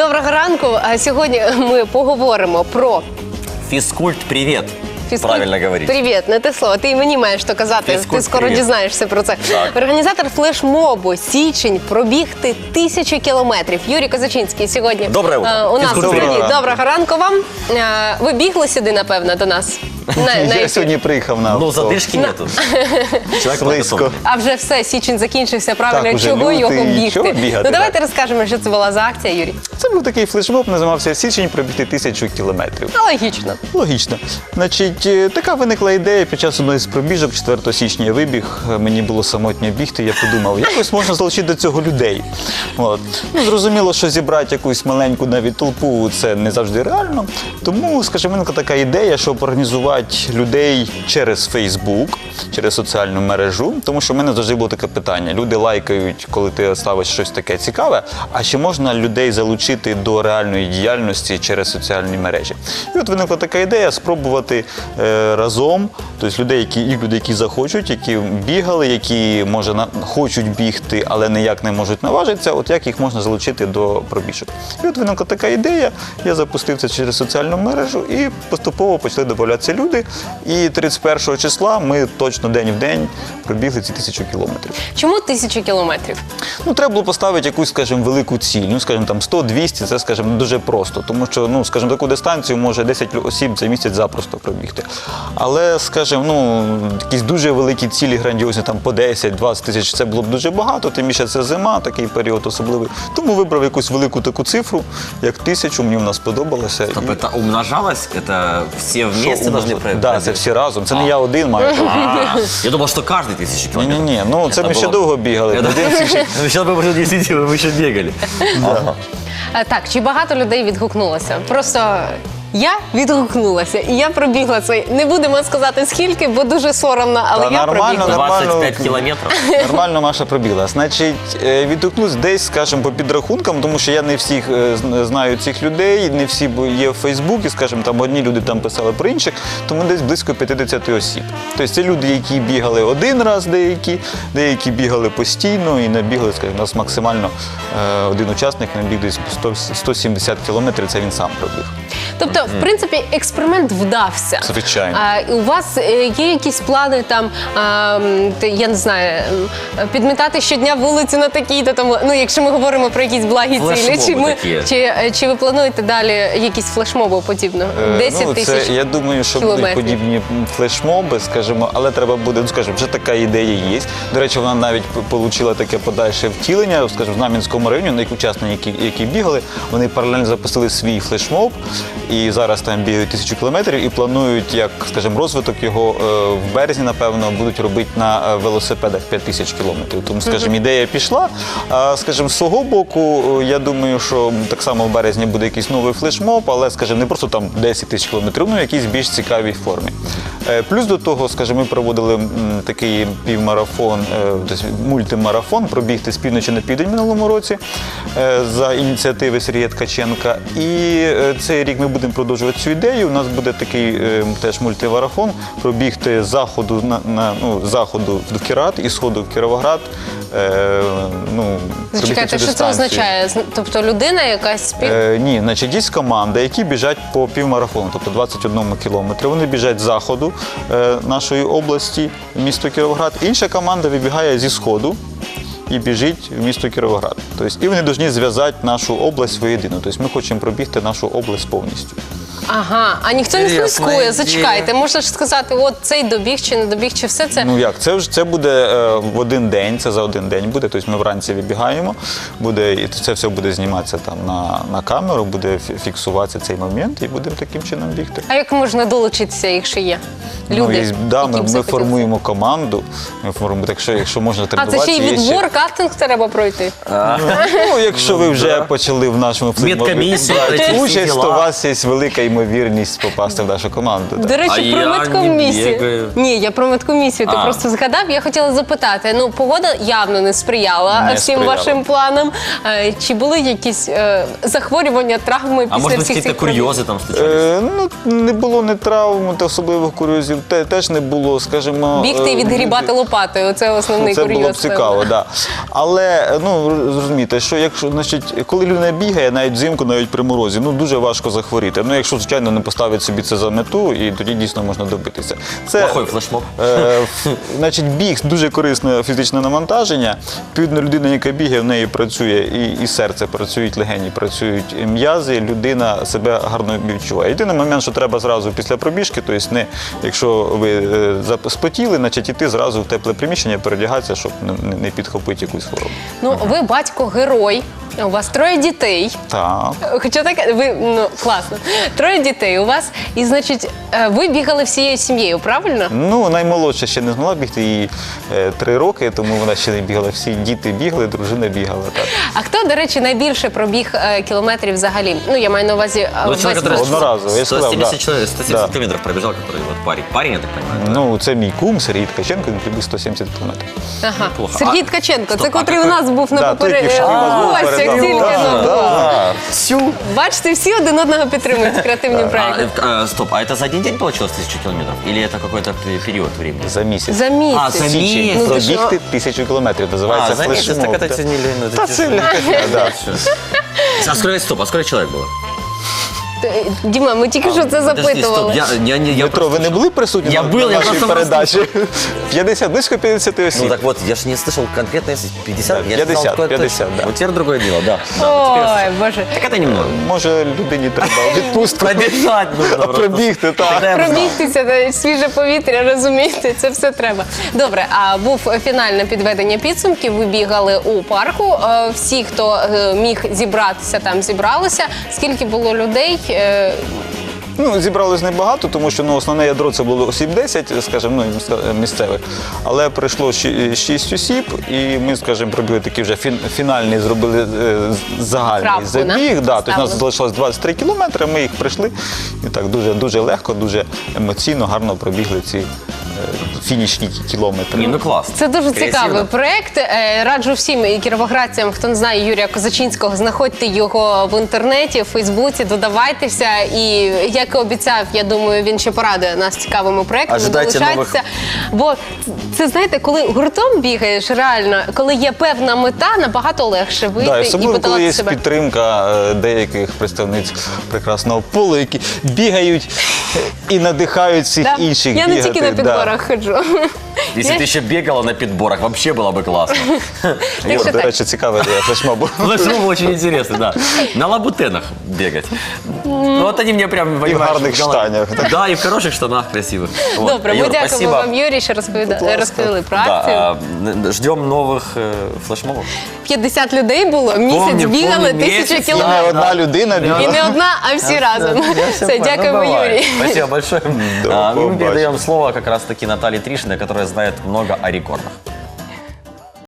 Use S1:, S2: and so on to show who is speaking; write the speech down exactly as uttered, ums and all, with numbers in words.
S1: Доброго ранку. А сьогодні ми поговоримо про
S2: фізкульт. Привіт.
S1: Фізкульт.
S2: Правильно говорить.
S1: Привіт, не те слово. Ти і мені маєш то казати.
S2: Фізкульт,
S1: Ти скоро
S2: привіт.
S1: дізнаєшся про це.
S2: Так.
S1: Організатор флешмобу «Січень» пробігти тисячу кілометрів. Юрій Козачинський сьогодні
S2: Доброе утро.
S1: е, у нас в
S2: Фізкульт.
S1: студії.
S3: Доброго
S1: Доброго ранку вам. Е, Ви бігли сюди, напевно, до нас? На, на
S3: Я
S1: ефір.
S3: сьогодні приїхав на
S2: Ну,
S3: авто.
S2: задишки нету. Человек
S3: Близько.
S2: подготовлен.
S1: А вже все, січень закінчився, правильно,
S3: Так, уже
S1: чого
S3: лютий,
S1: його бігти?
S3: чого бігати,
S1: Ну давайте
S3: так.
S1: розкажемо, що це була за акція, Юрій.
S3: Це був такий флешмоб, називався «Січень» пробігти тисячу кілометрів.
S1: Ну, логічно.
S3: Логічно. Значить, е, така виникла ідея під час одної з пробіжок, четвертого січня я вибіг, е, мені було самотньо бігти, я подумав, якось можна залучити до цього людей. От. Ну, зрозуміло, що зібрати якусь маленьку навіть толпу – це не завжди реально. Тому, скажімо, виникла така ідея, щоб організувати людей через Фейсбук, через соціальну мережу, тому що в мене завжди було таке питання. Люди лайкають, коли ти ставиш щось таке цікаве, а чи можна людей залучити до реальної діяльності через соціальні мережі? І от виникла така ідея спробувати е, разом, тобто людей, які, і люди, які захочуть, які бігали, які, може, на, хочуть бігти, але ніяк не можуть наважитися, от як їх можна залучити до пробіжок. І от виникла така ідея, я запустив це через соціальну мережу і поступово почали додаватися люди. І тридцять першого числа ми точно день в день пробігли ці тисячу кілометрів.
S1: Чому тисячу кілометрів?
S3: Ну, треба було поставити якусь, скажімо, велику ціль. Ну, скажімо, там сто-двісті, це, скажімо, дуже просто. Тому що, ну, скажімо, таку дистанцію може десять осіб за місяць запросто пробігти. Але, скажімо, ну, якісь дуже великі цілі, грандіозні, там по десять-двадцять тисяч, це було б дуже багато, тим більше це зима, такий період особливий. Тому вибрав якусь велику таку цифру, як тисячу, мені вона сподобалася.
S2: Стоп, это умножалось? Это все вместе должны
S3: Так,
S2: пробежать?
S3: це всі разом. Це не я один маю.
S2: А, Я думал, что каждый тысячу километров.
S3: Ні-ні-ні, ну це
S2: Это
S3: ми ще
S2: было-
S3: довго бігали.
S2: Это-
S3: Один тисяч-
S2: Сейчас бы уже десять, вы бы еще бегали. Ага.
S1: А, так, чи багато людей відгукнулося? Просто я відгукнулася, і я пробігла цей. Не будемо сказати скільки, бо дуже соромно, але
S3: Та
S1: я
S3: нормально,
S1: пробігла.
S3: нормально.
S2: двадцать пять километров.
S3: Нормально Маша пробігла. Значить, е, відгукнусь десь, скажімо, по підрахункам, тому що я не всіх е, зн- знаю цих людей, не всі бо- є в Фейсбуці, скажімо, там одні люди там писали про інших, тому десь близько п'ятдесят осіб. Тобто це люди, які бігали один раз деякі, деякі бігали постійно і набігли, скажімо, у нас максимально е, один учасник набіг десь сто, сто сімдесят кілометрів, це він сам пробіг.
S1: Тобто, в принципі, експеримент вдався.
S3: Звичайно.
S1: А, і у вас е, є якісь плани там, а, м, те, я не знаю, м, підмітати щодня вулицю на такій-то там, ну, якщо ми говоримо про якісь благі цілі,
S2: Флешмоби
S1: чи, ми,
S2: такі.
S1: чи, е, чи ви плануєте далі якісь флешмоби подібно?
S3: Е,
S1: десять
S3: ну,
S1: тисяч
S3: це, я думаю, що будуть
S1: кілометрів.
S3: подібні флешмоби, скажімо, але треба буде, ну, скажімо, вже така ідея є. До речі, вона навіть отримала таке подальше втілення, скажімо, в Знам'янському районі, на які учасники, які, які бігали, вони паралельно запустили свій флешмоб, і зараз там бігають тисячу кілометрів, і планують, як, скажімо, розвиток його е, в березні, напевно, будуть робити на е, велосипедах п'ять тисяч кілометрів. Тому, скажімо, ідея пішла. А, скажімо, з свого боку, е, я думаю, що так само в березні буде якийсь новий флешмоб, але, скажімо, не просто там десять тисяч кілометрів, ну, в якійсь більш цікавій формі. Е, Плюс до того, скажімо, ми проводили м, такий півмарафон, е, тобто мультимарафон, пробігти з півночі на південь минулому році е, за ініціативи Сергія Ткаченка. І е, цей рік ми будемо продовжувати цю ідею. У нас буде такий е, теж мультимарафон, пробігти з заходу на, на ну, з заходу в Кірат і сходу в Кіровоград. Е, ну, пробігти
S1: Зачекайте,
S3: цю
S1: що це
S3: дистанцію.
S1: означає? З- Тобто людина якась спів...
S3: Е, ні, значить, є команда, які біжать по півмарафону, тобто двадцять одному кілометрі. Вони біжать з заходу е, нашої області, місто Кіровоград. Інша команда вибігає зі сходу і біжить в місто Кіровоград. Тобто, і вони повинні зв'язати нашу область воєдино. Тобто ми хочемо пробігти нашу область повністю.
S1: Ага, а ніхто не
S2: Інтересна
S1: слідкує,
S2: ідея.
S1: зачекайте. Можна ж сказати, от цей добіг чи не добіг, чи все це...
S3: Ну як, це вже це буде е, в один день, це за один день буде. Тобто ми вранці вибігаємо, буде, і це все буде зніматися там на, на камеру, буде фі- фіксуватися цей момент і будемо таким чином бігти.
S1: А як можна долучитися, якщо є люди,
S3: Ну, і, да,
S1: які
S3: ми,
S1: б
S3: ми
S1: захотіли?
S3: формуємо команду, ми формуємо, так що, якщо можна
S1: А
S3: тренуватися,
S1: це ще й
S3: є
S1: відбор, кастинг треба пройти.
S3: Ну, якщо ви вже
S2: да.
S3: почали в нашому флешмобі
S2: Медкомісія,
S3: брати
S2: ці всі
S3: участь,
S2: діла.
S3: то у вас є велика ймовірність попасти в нашу команду. так.
S1: До речі,
S2: А
S1: про
S2: я не
S1: медкомісію.
S2: бігаю.
S1: Ні, я про медкомісію. Ти
S2: А.
S1: просто згадав. Я хотіла запитати. Ну, погода явно не сприяла
S3: Не
S1: всім
S3: сприяла.
S1: вашим планам. Е, Чи були якісь е, захворювання, травми
S2: А
S1: після
S2: может быть,
S1: всіх
S2: какие-то
S1: цих пробіг?
S2: курьезы там случались?
S3: Е, ну, не було ні травм, та особливих курйозів, те, теж не було, скажімо...
S1: Бігти і
S3: е,
S1: відгрібати лопатою. Це основний
S3: Це
S1: курйоз.
S3: було б цікаво, так. Да. Але ну зрозумійте, що якщо значить, коли людина бігає, навіть взимку, навіть при морозі, ну дуже важко захворіти. Ну, якщо звичайно не поставить собі це за мету, і тоді дійсно можна добитися. Це
S2: Плохой флешмоб.
S3: Е, ф- значить, біг дуже корисне фізичне навантаження. Відповідно, людина, яка бігає, в неї працює і, і серце, працюють легені, працюють м'язи, людина себе гарно відчуває. Єдиний момент, що треба зразу після пробіжки, тобто не якщо ви е, зап- спотіли, значить іти зразу в тепле приміщення, передягатися, щоб не, не- не підхопити якусь хворобу.
S1: Ну, ви батько-герой. У вас троє дітей.
S3: Так.
S1: Хоча так, ви ну класно. Троє дітей у вас, і значить, е, ви бігали всією сім'єю, правильно?
S3: Ну, наймолодша ще не змогла бігти, їй е, три роки, тому вона ще не бігала. Всі діти бігали, дружина бігала. Так.
S1: А хто, до речі, найбільше пробіг е, кілометрів взагалі? Ну, я маю на увазі е,
S2: Ну,
S1: весь
S2: человек, который
S1: ваш-
S3: Одноразово, я
S2: сто
S3: сказал,
S2: семьдесят,
S3: да.
S2: человек, сто семьдесят
S3: Да.
S2: километров пробежал, который вот парень. Парень, я так понимаю.
S3: Ну, це мій кум Сергій Ткаченко, він прибіг сто сімдесят кілометрів.
S1: Ага.
S2: Неплохо.
S1: Сергій
S2: А-
S1: Ткаченко, це
S2: Стоп, а
S1: котрий у
S2: какой-
S1: нас був на
S3: Да, той,
S1: попередньому
S3: який в нас був
S1: гостях
S3: перед
S1: тільки
S3: нами.
S1: ну,
S3: Да,
S1: був.
S3: да.
S2: Всю.
S1: Бачите, всі один одного підтримують в креативній
S2: А,
S1: проєкті.
S2: э, стоп, а это за один день получилось тысячу километров? Или это какой-то пе- период времени?
S3: За місяць.
S1: За місяць.
S2: А, за
S3: Січень.
S2: місяць.
S1: Ну, ти що?
S3: Пробігти тисячу кілометрів, називається
S2: А, за месяц,
S3: флешмоб.
S2: так это
S3: так.
S2: тянули. ну, это
S3: Та
S2: тяжело.
S3: це легке, да.
S2: А сколько, стоп, а сколько человек было?
S1: Т- Діма, ми тільки що це
S2: Подожди, стоп,
S1: запитували.
S2: я, я, не- я
S3: Дмитро, ви не були присутні
S2: Я
S3: на,
S2: был,
S3: на
S2: я
S3: нашій
S2: просто
S3: передачі? п'ятдесят, близько п'ятдесят осіб.
S2: Ну так вот, я же не слышал конкретно, если пятьдесят.
S3: Да,
S2: я же знал,
S3: пятьдесят,
S2: какое-то-
S3: пятьдесят, да.
S2: Вот теперь другое дело, да. Да, вот теперь я
S1: Ой, Боже.
S2: слышал. Так это немного.
S3: Може, людині треба відпустку.
S2: Пробежать нужно
S3: А
S2: просто.
S3: пробігти, так.
S2: Тогда я бы знал.
S1: Пробігтися, та свіже повітря, розумієте, це все треба. Добре, а був фінальне підведення підсумків. Ви бігали у парку. Е, Всі, хто е, міг зібратися, там зібралися. Скільки було людей? Е,
S3: Ну, зібралось небагато, тому що ну, основне ядро це було осіб десять, скажімо, ну, місцевих. Але прийшло щ- шість осіб, і ми, скажімо, пробігли такий вже фін- фінальний, зробили е, з- загальний
S1: Крапку,
S3: забіг.
S1: да?
S3: Да, тобто у нас
S1: Ставили.
S3: залишилось двадцять три кілометри, ми їх прийшли і так дуже, дуже легко, дуже емоційно, гарно пробігли ці е, фінішні кілометри.
S2: Не, ну классно.
S1: Це дуже
S2: Креативно.
S1: цікавий проект. Е, Раджу всім і кіровоградцям, хто не знає Юрія Козачинського, знаходьте його в інтернеті, в Фейсбуці, додавайтеся. І як і обіцяв, я думаю, він ще порадує нас цікавими проектами.
S2: Ожидайте
S1: Долучайтеся. Бо це знаєте, коли гуртом бігаєш, реально, коли є певна мета, набагато легше вийти
S3: Да, і
S1: і
S3: особливо, коли
S1: подолати
S3: є
S1: себе.
S3: підтримка е, деяких представниць прекрасного полу, які бігають і надихають всіх
S1: Да.
S3: інших
S1: Я
S3: бігати.
S1: не тільки на
S3: Да.
S1: підборах ходжу.
S2: Если ты еще бегала на подборах, вообще было бы классно.
S1: Так
S3: О,
S1: що
S3: до
S1: так.
S3: речі, цікаве ідея флешмобу.
S2: Флешмоб очень интересный, да. На лабутенах бегать. Ну вот они мне прям понимаешь,
S3: гарных
S2: в голове.
S3: штанях.
S2: Да, и в хороших штанах красивых. Вот.
S1: Добре, ми
S2: Юр,
S1: дякуємо
S2: спасибо.
S1: вам, Юрій, що розповіда...
S3: Будь ласка.
S1: розповіли про акцію.
S2: Да, а, ждем новых э, флешмобов.
S1: п'ятдесят людей було, місяць
S2: Помню,
S1: бігали,
S2: помню,
S1: тисячу
S2: місяць,
S3: І не
S1: кілометрів.
S3: одна людина
S1: І
S3: бігала.
S1: не одна, а всі разом.
S2: Я
S1: Все,
S2: понял.
S1: дякуємо,
S2: Ну, бывает.
S1: Юрій.
S2: Спасибо большое.
S3: До
S2: А, Мы
S3: побачення.
S2: передаем слово как раз-таки Наталье Тришиной, которая знает много о рекордах.